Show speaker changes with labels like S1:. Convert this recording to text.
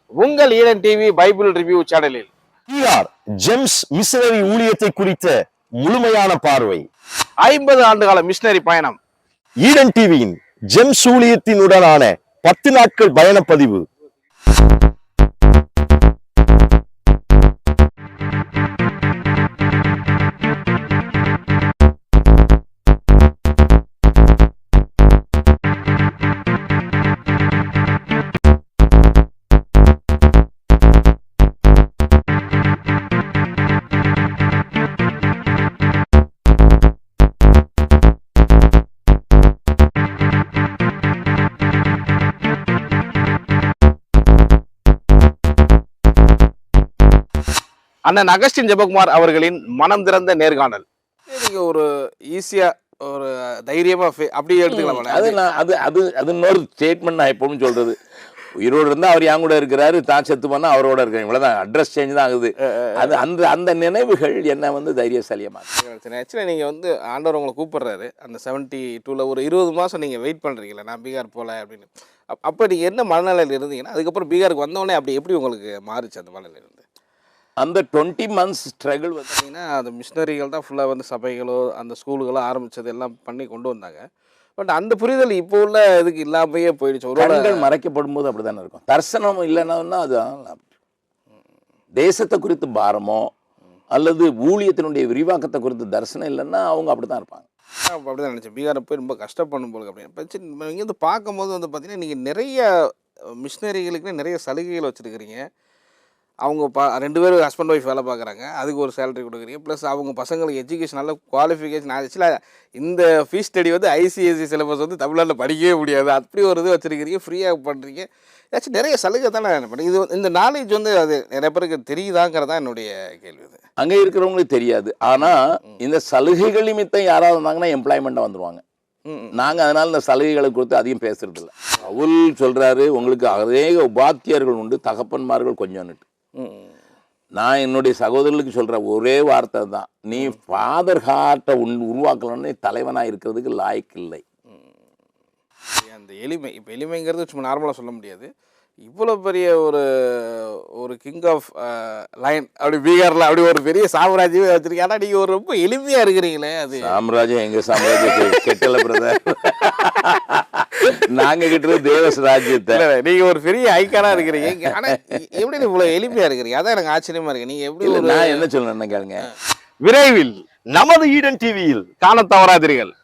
S1: உங்கள் Eden TV Bible review சேனலில்
S2: GEMS missionary ஊழியத்தை குறித்த முழுமையான பார்வை.
S1: 50 ஆண்டுகால மிஷனரி பயணம்.
S2: ஈடன் டிவியின் ஜெம்ஸ் ஊழியத்தினுடனான 10 நாட்கள் பயணப்பதிவு.
S1: அண்ணன் அகஸ்டின் ஜெபகுமார் அவர்களின் மனம் திறந்த நேர்காணல். நீங்க ஒரு ஈஸியா ஒரு தைரியமா அப்படி எடுத்துக்கலாம்.
S3: அது இன்னொரு ஸ்டேட்மெண்ட் நான் எப்பவும் சொல்றது. உயிரோடு இருந்தால் அவர் என் கூட இருக்கிறாரு, தான் செத்து போனால் அவரோட இருக்கிறேன், இவ்வளோதான். அட்ரஸ் சேஞ்ச் தான் ஆகுது. அது அந்த நினைவுகள் என்ன தைரியசாலியமாக.
S1: ஆக்சுவலாக நீங்கள் ஆண்டவர் உங்களை கூப்பிடுறாரு. அந்த 72ல் ஒரு 20 மாதம் நீங்கள் வெயிட் பண்ணுறீங்களா, நான் பீகார் போகல அப்படின்னு. அப்போ நீங்கள் என்ன மனநிலையில் இருந்தீங்கன்னா, அதுக்கப்புறம் பீகாருக்கு வந்தோடனே அப்படி எப்படி உங்களுக்கு மாறிச்சு அந்த மனநிலையிலிருந்து?
S3: அந்த 20 months ஸ்ட்ரகிள்
S1: பார்த்தீங்கன்னா, அந்த மிஷினரிகள் தான் ஃபுல்லாக சபைகளோ அந்த ஸ்கூலுகளோ ஆரம்பித்தது எல்லாம் பண்ணி கொண்டு வந்தாங்க. பட் அந்த புரிதல் இப்போ உள்ள இதுக்கு இல்லாமையே போயிடுச்சு. ஒரு
S3: மறைக்கப்படும் போது அப்படி தானே இருக்கும். தரிசனம் இல்லைன்னா அது தேசத்தை குறித்து பாரமோ அல்லது ஊழியத்தினுடைய விரிவாக்கத்தை குறித்து தரிசனம் இல்லைன்னா அவங்க அப்படி தான் இருப்பாங்க.
S1: அப்படி தான் நினச்சேன். பீகாரை போய் ரொம்ப கஷ்டப்படும் போது அப்படின்னு இங்கேருந்து பார்க்கும்போது பார்த்தீங்கன்னா, நீங்கள் நிறைய மிஷினரிகளுக்கு நிறைய சலுகைகள் வச்சுருக்கிறீங்க. அவங்க 2 பேரும் ஹஸ்பண்ட் ஒய்ஃப் வேலை பார்க்குறாங்க, அதுக்கு ஒரு சேலரி கொடுக்குறீங்க. ப்ளஸ் அவங்க பசங்களுக்கு எஜுகேஷன் நல்ல குவாலிஃபிகேஷன். ஆக்சுவலாக இந்த ஃபீஸ் ஸ்டடி ஐசிஎஸ்சி சிலபஸ் தமிழ்நாட்டில் படிக்கவே முடியாது. அப்படி ஒரு இது வச்சுருக்கிறீங்க, ஃப்ரீயாக பண்ணுறீங்க. ஏதாச்சும் நிறைய சலுகை தானே பண்ணுறீங்க. இது இந்த நாலேஜ் அது நிறைய பேருக்கு தெரியுதாங்கிறதான் என்னுடைய கேள்வி. இது
S3: அங்கே இருக்கிறவங்களுக்கு தெரியாது. ஆனால் இந்த சலுகைகள் நிமித்தம் யாராவது இருந்தாங்கன்னா எம்ப்ளாய்மெண்ட்டாக வந்துடுவாங்க. நாங்கள் அதனால் இந்த சலுகைகளை கொடுத்து அதிகம் பேசுறது இல்லை. பவுல் சொல்கிறாரு, உங்களுக்கு அநேக உபாத்தியர்கள் உண்டு, தகப்பன்மார்கள் கொஞ்சம்னுட்டு. நான் என்னுடைய சகோதரர்களுக்கு சொல்ற ஒரே வார்த்தை தான், நீ ஃபாதர் ஹார்ட்டை உருவாக்கலன்னு தலைவனாக இருக்கிறதுக்கு லாய்க்கு இல்லை.
S1: அந்த எளிமை, இப்போ எளிமைங்கிறது சும்மா நார்மலாக சொல்ல முடியாது. இவ்வளோ பெரிய ஒரு கிங் ஆஃப் லைன் அப்படி பீகாரில் அப்படி ஒரு பெரிய சாம்ராஜ்யமே வச்சிருக்கீங்க. ஆனால் நீங்கள் ரொம்ப எளிமையாக இருக்கிறீங்களே. அது
S3: சாம்ராஜ்யம் எங்கள் சாம்ராஜ்யம் கெட்டல பிரதர். நாங்கள் கிட்ட தேவஸ் ராஜ்யத்தை.
S1: நீங்கள் ஒரு பெரிய ஐக்கானாக இருக்கிறீங்க. ஆனால் எப்படி இவ்வளோ எளிமையாக இருக்கிறீங்க? அதான் எனக்கு ஆச்சரியமாக இருக்கு. நீங்கள் எப்படி?
S3: நான் என்ன சொல்லணும்னு கேளுங்க.
S1: விரைவில் நமது ஈடன் டிவியில் காண தவறாதீர்கள்.